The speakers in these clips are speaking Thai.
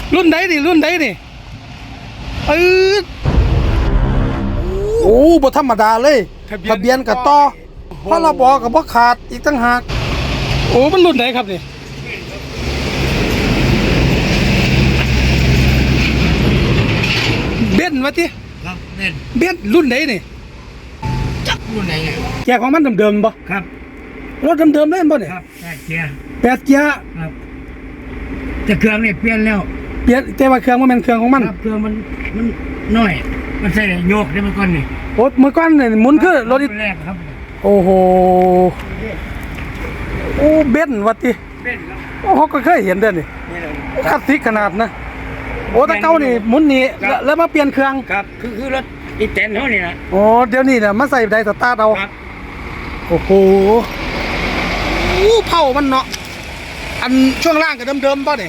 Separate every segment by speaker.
Speaker 1: รุ่นไหนนี่รุ่นไหนนี่โอ้บ่ธรรมดาเลยทะเบียนกับต่อพรบกับบ่ขาดอีกตั้งหากโอ้มันรุ่นไหนครับนี่เบนซ์วะที่
Speaker 2: ครับ
Speaker 1: เบนซ์รุ่นไหนนี่
Speaker 2: จักรุ่นไหนไง
Speaker 1: แกของมันเดิมๆบ่
Speaker 2: ครับ
Speaker 1: รถเดิมๆเลยบ่เนี่ย
Speaker 2: ครับ8 เกียร์
Speaker 1: 8 เกียร์
Speaker 2: ครับแต่เครื่องนี่เปลี่ยนแล้ว
Speaker 1: เปลี่ยนแต่ว่าเครื่องมันเป็นเครื่องของมัน
Speaker 2: ครับเครื่องมันน้อยมันใส่โยกได้เมื่อก่อนนี่
Speaker 1: โอ้เมื่อก่อนเนี่ยหมุนคือรถ
Speaker 2: แรกครับ
Speaker 1: โอ้โหโอ้เบนซ์วะที่
Speaker 2: เบนซ์ครับ
Speaker 1: โอ้เขาก็เคยเห็นเด้อนี่คลาสสิกขนาดนะโอ้ตะเก้านี่หมุนนี่แล้วมาเปลี่ยนเครื่อง
Speaker 2: ครับคือรถอีแตนเท่านี้นะ
Speaker 1: โอ้เดี๋ยวนี้เนี่ยมาใส่ไดสตาร์ทเอาโอ้โหเผามันเนาะอันช่วงล่างกับเดิมๆป่ะเนี่ย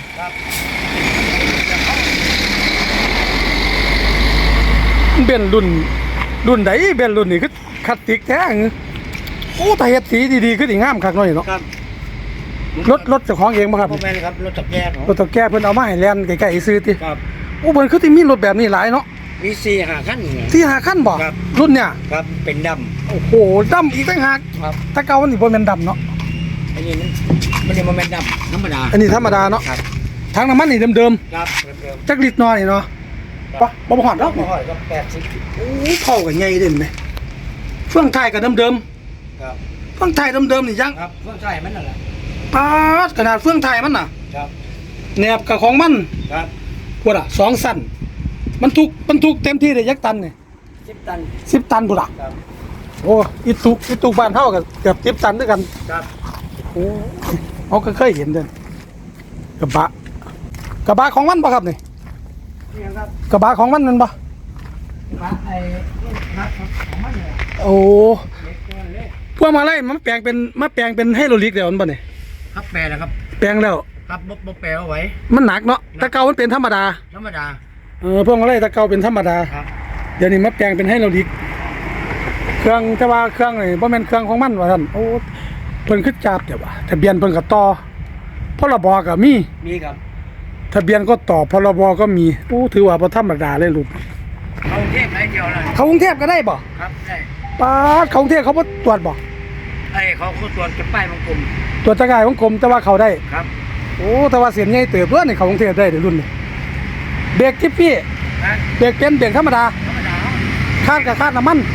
Speaker 1: เบนรุ่นไหนเบนรุ่นนี่คือคลาสสิกแท้โอ้แต่เฮ็ดสีดีๆขึ้นอีกงามคักหน่อยเนาะรถเจ้าของเองป่ะครับ
Speaker 2: พ่อแม่ครับรถตะแกรง
Speaker 1: รถตะแกรงเพิ่นเอามาให้แล่นไกลๆซื้อติ
Speaker 2: ครับ
Speaker 1: โอ้เพิ่นคือที่มีรถแบบนี้หลายเนาะ
Speaker 2: มี4-5 คัน
Speaker 1: 4-5 คันบ่รุ่นเนี่ย
Speaker 2: ครับเป็นดำ
Speaker 1: โอ้โหดำอีกต่างหาก
Speaker 2: ครับ
Speaker 1: ถ้าเก่ามันนี่บ่แม่นดำเนาะ
Speaker 2: อันนี้มันนี่มันดำธรรมดา
Speaker 1: อันนี้ธรรมดาเนาะ
Speaker 2: ครับ
Speaker 1: ทางน้ำมันนี่เดิม
Speaker 2: ครับ
Speaker 1: จักลิตรน้อยเนาะปะบ่ฮอดดอก
Speaker 2: บ่ฮอดก็80
Speaker 1: โอ้เข้ากันใหญ่เด่นไหมเฟื่องไทยก็เดิม
Speaker 2: ครับ
Speaker 1: เฟื่องไทยเดิมนี่ยัง
Speaker 2: ครับเฟื่องไทยมันนั่นแหละ
Speaker 1: ปาดขนาดเฟื่องไทยมันน่ะ
Speaker 2: ครับ
Speaker 1: แหนบกับของมัน
Speaker 2: ครับ
Speaker 1: พุ่นน่ะ2 สั้นบรรทุกเต็มที่ได้ยักตันนี่
Speaker 2: 10 ตัน
Speaker 1: 10 ตันพุ่นน่ะ
Speaker 2: ครับ
Speaker 1: โอ้อีตุกบ้านเฮาก็เกือบ10 ตันด้วยกัน
Speaker 2: ครับ
Speaker 1: โอ้เขาก็เคยเห็นเด้กระบะของมันบ่ครับนี่
Speaker 2: ครับ
Speaker 1: กระบะของมันบ่
Speaker 2: ไอ้ครับของมันเนี่ย
Speaker 1: โอ้พวกมาไล่มันแปลงเป็นไฮโดรลิกแล้วมันบ่นี่
Speaker 2: ครับแปลแล้วครับ
Speaker 1: แปลงแล้ว
Speaker 2: ครับบ่แปลเอาไว้
Speaker 1: มันหนักเนาะตะเกามันเป็นธรรมดาพวกมาไล่ตะเกาเป็นธรรมดา
Speaker 2: ครับ
Speaker 1: เดี๋ยวนี้มาแปลงเป็นไฮโดรลิกเครื่องแต่ว่าเครื่องนี่บ่แม่นเครื่องของมันว่าซั่นโอ้เพิ่นคือจับเดี๋ยวว่าทะเบียนเพิ่นก็ต่อพรบก็มี
Speaker 2: ครับ
Speaker 1: ทะเบียนก็ต่อพรบก็มีโอ้ถือว่าบ่ธรรมดาเลยลูก
Speaker 2: เข้ากรุงเทพได้เดียวเลย
Speaker 1: เข้ากรุงเทพก็ได้บ่
Speaker 2: ครับได้
Speaker 1: ป๊าดเข้ากรุงเทพเขาบ่ตรวจบ่
Speaker 2: เขาตรวจเก็บป้ายวงกลม
Speaker 1: ตรวจจักรยานวงกลมแต่ว่าเขาได้
Speaker 2: ครับ
Speaker 1: โอ้แต่ว่าเสียนใหญ่เติบเด้อนี่เข้ากรุงเทพได้เดี๋ยวรุ่นนี้เบรกจิ๊บพี่เบรกเป็นเบรกธรรมดาคาดกับคาดน้ำมัน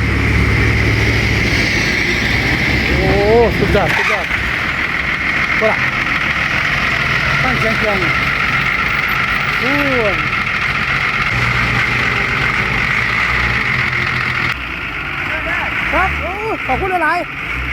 Speaker 1: โอ้สุดยอดก็ล่ะตั้งเชียงโอ้ครับโอ้ขอบคุณหลาย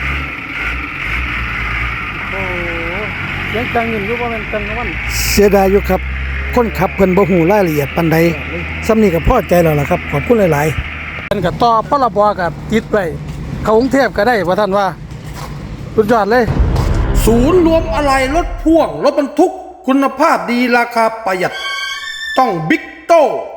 Speaker 1: โอ้เสียงดังอยู่รู้ว่ามันดังของมันเสียดายอยู่ครับคนขับเพิ่นบ่ฮู้รายละเอียดปานใดซ้ำนี่ก็พอใจแล้วล่ะครับขอบคุณหลายๆกันก็ต่อพรบกับติดไว้เข้ากรุงเทพก็ได้ว่าท่านว่าสุดยอดเลยศูนย์รวมอะไหล่รถพ่วงรถบรรทุกคุณภาพดีราคาประหยัดต้องบิ๊กโต้